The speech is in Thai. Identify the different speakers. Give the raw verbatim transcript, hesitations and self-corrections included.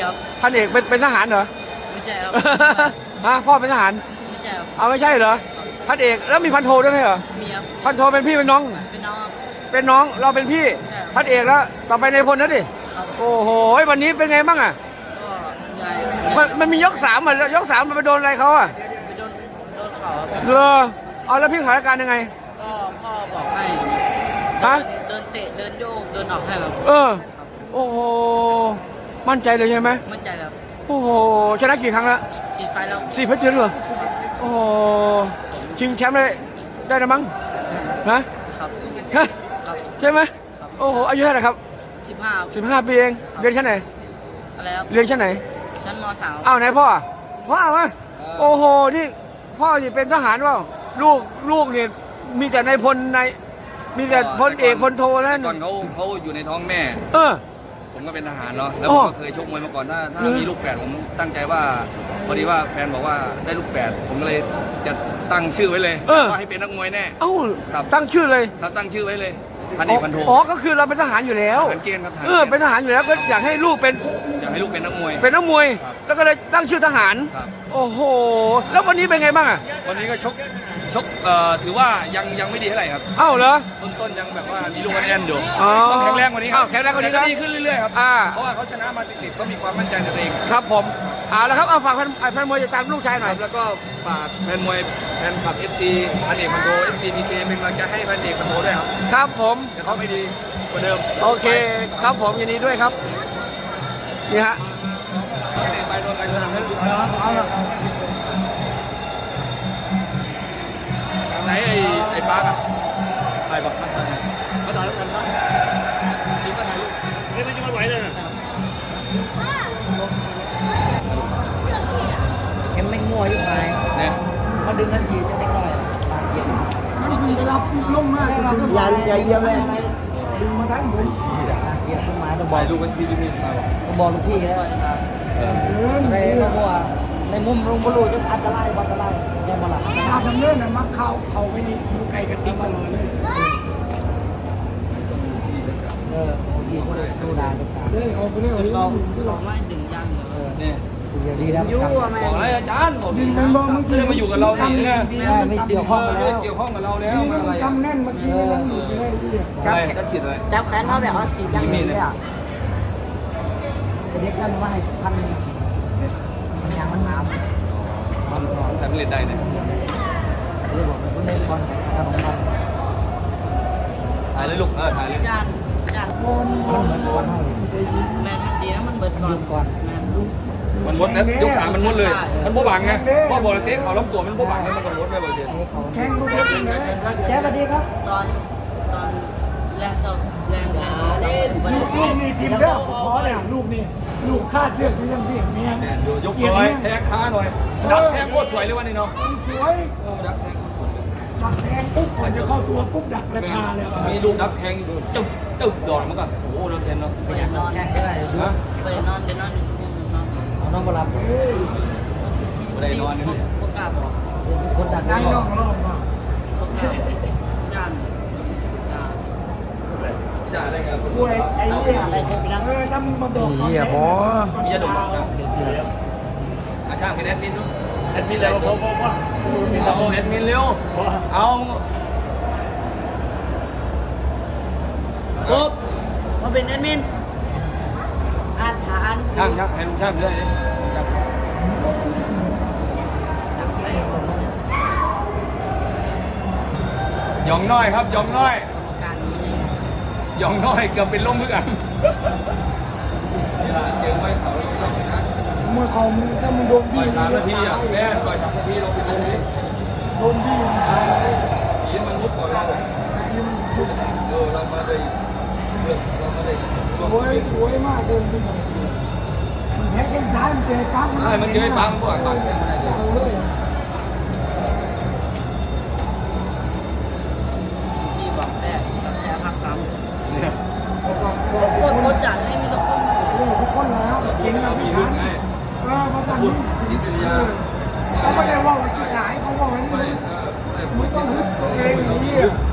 Speaker 1: ครับ
Speaker 2: พันเอกเป็นเป็นทหารเหรอ
Speaker 1: ไม่ใช่ครับ
Speaker 2: ฮะพ่อเป็นทหาร
Speaker 1: ไม่ใช่ครับ
Speaker 2: เอาไม่ใช่เหรอพันเอกแล้วมีพันโทด้วยไหมเหรอ
Speaker 1: มีครับ
Speaker 2: พันโทเป็นพี่เป็นน้อง
Speaker 1: เป็นน้องครับ
Speaker 2: เป็นน้องเราเป็นพี่
Speaker 1: ใช่ครับ
Speaker 2: พันเอกแล้วต่อไปในพลนะดิ
Speaker 1: ครับ
Speaker 2: โอ้โหวันนี้เป็นไงบ้างอ่ะ
Speaker 1: ก็ใหญ่
Speaker 2: มันมันมียกสามอ่ะยกสามมันไปโดนอะไรเขาอ่ะ
Speaker 1: ไปโดนโดนเข่าครับ
Speaker 2: เลอเอาแล้วพี่สถานการณ์ยังไง
Speaker 1: ก็พ่อบอกให้
Speaker 2: ฮะ
Speaker 1: เดินเตะเดินโยกเดินออกให้ครับ
Speaker 2: เออโอ้โหมั่นใจเลยใช่ไหม
Speaker 1: มั่นใจครับ
Speaker 2: โอ้โหชนะกี่ครั้งแล้ว
Speaker 1: ติดไฟแล้ว
Speaker 2: สี่พันเจ็ดเหรอโอ้โหชิงแชมป์เลยได้นะมั้งฮะ
Speaker 1: ครับ
Speaker 2: ฮะ
Speaker 1: ครับ
Speaker 2: ใช่ไหมโอ้โหอายุเท่าไหร่ครับ
Speaker 1: สิบห้า
Speaker 2: สิบห้าปีเองเรียนชั้นไหน
Speaker 1: อะไรครับ
Speaker 2: เรียนชั้นไหน
Speaker 1: ชั้นมสาม
Speaker 2: อ้าวไหนพ่อพ่อเอามาโอ้โหนี่พ่อนี่เป็นทหารเปล่าลูกลูกนี่มีแต่ในายพลในมีแต่พลเอกพลโทนั่น
Speaker 3: ก่อนเขาเขาอยู่ในท้องแม่
Speaker 2: เออ
Speaker 3: ผมก็เป็นทหารเนาะแล้ว
Speaker 2: อ๋
Speaker 3: ผ
Speaker 2: อ
Speaker 3: มก็เคยชกมวยมาก่อนถ้าถ้า
Speaker 2: เหรอ
Speaker 3: มีลูกแฝดผมตั้งใจว่าพอดีว่าแฟนบอกว่าได้ลูกแฝดผมก็เลยจะตั้งชื่อไว้เลยว่าให้เป็นนักมวยแน่
Speaker 2: เอ้า
Speaker 3: ครับ
Speaker 2: ตั้งชื่อเลย
Speaker 3: ถ้าตั้งชื่อไว้เลยพันเอกพันโท
Speaker 2: อ๋อก็คือเราเป็นทหารอยู่แล้ว
Speaker 3: ทหารเกณฑ์ครับทหาร
Speaker 2: เออเป็นทหารอยู่แล้วก็อยากให้ลูกเป็น
Speaker 3: อยากให้ลูกเป็นนักมวย
Speaker 2: เป็นนักมวย
Speaker 3: ครับ
Speaker 2: แล้วก็เลยตั้งชื่อทหาร
Speaker 3: ครับ
Speaker 2: โอ้โหแล้ววันนี้เป็นไงบ้างอ่ะ
Speaker 3: วันนี้ก็ชกชกเอ่อถือว่ายังยังไม่ดีเท่าไหร่ครับ
Speaker 2: เอ้าเหรอ
Speaker 3: ต้นต้นยังแบบว่ามีลูกอันแอนอยู่
Speaker 2: อ๋อ
Speaker 3: ต้องแข็งแรงกว่านี้ครั
Speaker 2: อ้าวแข็งแรงกว่านี้นะ
Speaker 3: ต่ดีขึ้นเรื่อยๆครับ
Speaker 2: อ่า
Speaker 3: เพราะว่าเขาชนะมาติดๆเขามีความมั่นใจในตัวเอง
Speaker 2: ครับผมเอาละครับเอาฝากแฟนแฟนมวยติดตามลูกชายหน่อย
Speaker 3: แล้วก็ฝากแฟนมวยแฟนคลับ เอฟ ซี พันเอกพันโท เอฟ ซี พี เค เป็นกำลังใจให้พันเอกพันโทด้วยครับ
Speaker 2: ครับผม
Speaker 3: จะทำให้ดีกว่าเดิม
Speaker 2: โอเคครับผมยินดีด้วยครับนี่ฮะ
Speaker 3: ไปโดนไปโดนเอาละไหนไอ้ไอ้ปาร์กอะไปบอกมาถ่ายมาถ่ายแล้วกันครับดีมาถ่ายรูปไม่ไม่จะมาไหวเลย
Speaker 1: เอ็มไม่งัวอยู่ไหน
Speaker 3: เนี่ย
Speaker 1: เขาดึงกันฉีดจะได้ก่อยบางเย็น
Speaker 4: มันคุณไปรับลงมาจะรับ
Speaker 1: อย่าอย่าเยี่ยมเลย
Speaker 4: ดึงมาทั้งผม
Speaker 1: เยี่ยมขึ้นมาต้องบอ
Speaker 3: ถ่าก ยรูปกันที่พี่ๆมาบอก
Speaker 1: ต้องบอกลูกพี่แล้ว
Speaker 3: เออ
Speaker 4: เดิน
Speaker 1: ในในบัวในมุมลงบอลูจะอันตรายอันตรายแน่บอล
Speaker 4: ตาทำเนินน่ะมักเข้าเข้าไปนี่ดูไก่กระติกตลอดเลย
Speaker 1: เออพี่เขาดูดาดูตา
Speaker 4: เด้เอาไปเรื่อย
Speaker 1: เรา
Speaker 4: ที่หล
Speaker 1: เรา
Speaker 4: อก
Speaker 1: ไม่ดึงยังเออ
Speaker 3: เนี่ย
Speaker 1: เดี๋ยวดีแล้วยุ่งไหม
Speaker 3: บอกอะไรอาจารย์บอก
Speaker 4: ดินเป็นบ่เมื่อ
Speaker 3: ไม่
Speaker 4: กี้
Speaker 3: ได้มาอยู่กับเรานี่นะ
Speaker 1: ไม่เกี่ยวข้องกันแล้ว
Speaker 3: เกี่ยวข้องกับเราแล้ว
Speaker 4: ดี
Speaker 3: มา
Speaker 4: มั
Speaker 3: อะไร
Speaker 4: นจำแน่นเมื่อกี้ไม่นั่งอยู่เลยที่
Speaker 3: อะไรจะฉีดอะไร
Speaker 1: จับแขนเขาแบบว่าสีจังเลยอ่ะเด็กนั่นมาให้พันมันยังมันหนาว
Speaker 3: มันใส่เมล็ดใดเนี่ย
Speaker 1: เรียกว่ามันเล่นบอลขนมบอล
Speaker 3: ถ่ายเลยลูกเออถ่ายเลย
Speaker 1: จานจาน
Speaker 4: โอนโอนโอนใจเย็น
Speaker 1: แมนมันดีนะมันเบิดก่อนก่อนแมนลูก
Speaker 3: มันมดนะยกสามมันมดเลย มันโบบังไงพ่อบอกเลยเตะเขาล้มตัวมันโบบังแล้วมันก็มดไม่เบอร์เซ็นต์
Speaker 4: แข้งลูกเล็กเลย
Speaker 1: แจ๊บสวัสดีครับ ตอนตอนแรงเศร้าแรงแรงเล่น
Speaker 4: ลูกลูกนี่ทีมเด้อขอเลยลูกนี่ลูกคาดเชือกนี่ยังเสียงเมีย
Speaker 3: ยกตัวแทงขาหน่อยดักแทงโคตรสวยเลยวันนี้เนาะ
Speaker 4: สวย
Speaker 3: ดักแทงโคตรสวยเลย
Speaker 4: ดักแทงปุ๊บก่อนจะเข้าตัวปุ๊บดักราคาเลย
Speaker 3: มีลูกดักแทงจุ๊บจุ๊บดอดมันก็โอ้โหดักแทงเนาะ
Speaker 1: ไปนอนแข่งได้
Speaker 3: ฮะ
Speaker 1: ไปนอนไปนอนอยู่ชั่วโมงนึงเนาะเอานอนมาหลับ
Speaker 3: ไม่ได้นอนนี่
Speaker 1: พวกกาบอกคนดัก
Speaker 4: นั่งนอกรอบมา
Speaker 1: พวกกาย่านย่าน
Speaker 3: จ่ายอะไรกัน
Speaker 4: ป่วยไอ้เหี้ยเออถ้ามึงมาบอก
Speaker 2: เหี้ยบอ
Speaker 3: มียาดมครับอาช่างเป็นแอดมินด้วยแอดมินเลยผมผมว่าเอาแอดมินเร็วเอา
Speaker 1: ปุ๊บมาเป็นแอดมินอ่านหาอ่าน
Speaker 3: ช่างช่างให้ลุงช่างด้วยยองน้อยครับยองน้อย
Speaker 1: กรรมการนี้
Speaker 3: ยองน้อยเกือบเป็นล้มเพื่อนเวลาเจอไว้เขาเราต้องนะ
Speaker 4: เมื่อเขามึงถ้ามึงโดน
Speaker 3: ปล่
Speaker 4: บี้
Speaker 3: อยสามนาทีอ่ะแม่ปล่อยสามนาทีเราไปดูดิ
Speaker 4: โดนบี้มันตายเลย
Speaker 3: ยีมันมุดก่อนเรา
Speaker 4: ยิ้มยุบ
Speaker 3: เออเรามาได้เรื่องเรามาได้
Speaker 4: สวยสวยมากเดินขึ้นมามันแพ้แข้งซ้ายมันเจอปั๊บ
Speaker 3: ใช่มันเจอไอ้ปังบ่อยปังเนี่ยมันได้เลย
Speaker 4: เอาเลย
Speaker 1: พี่บอกแรกตั้งแต่ภาคสาม
Speaker 3: เนี่ย
Speaker 1: คนกดดันเลยมีแต่คน
Speaker 4: เรื่องทุกคนแล้วเก่ง
Speaker 3: เรา
Speaker 4: นะ
Speaker 3: มี
Speaker 4: พี่
Speaker 3: รุ่
Speaker 4: นะ
Speaker 3: นไง
Speaker 4: เออภาษา
Speaker 3: พู
Speaker 4: นี้
Speaker 3: ดจิตวิทยา
Speaker 4: เขาไม่ได้ว่าที่ไหนเขาบอกว่า
Speaker 3: ไม่ได้เออไม่ได้พู
Speaker 4: มึ
Speaker 3: ด
Speaker 4: งต้องฮึดตัวเองนี่